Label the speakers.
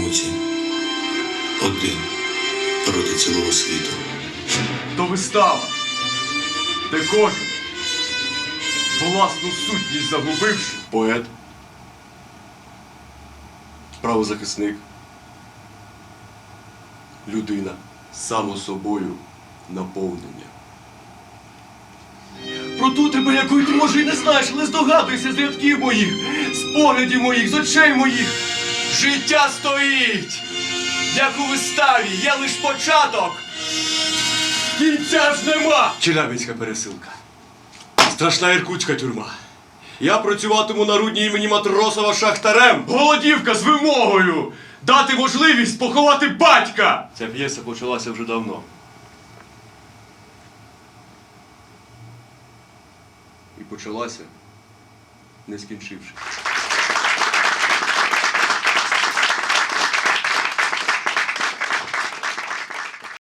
Speaker 1: битимуть один проти цілого світу.
Speaker 2: То вистава, де кожен, власну сутність загубивши,
Speaker 3: Поет, правозахисник, людина, само собою наповнення.
Speaker 2: про ту тебе, якої ти, може, і не знаєш, але здогадуйся з рядків моїх, з поглядів моїх, з очей моїх. Життя стоїть, як у виставі, є лиш початок. Кінця ж нема.
Speaker 3: Челябинська пересилка. Страшна іркутська тюрма. Я працюватиму на рудні імені Матросова шахтарем.
Speaker 2: Голодівка з вимогою дати можливість поховати батька.
Speaker 3: Ця п'єса почалася вже давно. І почалася, не скінчивши.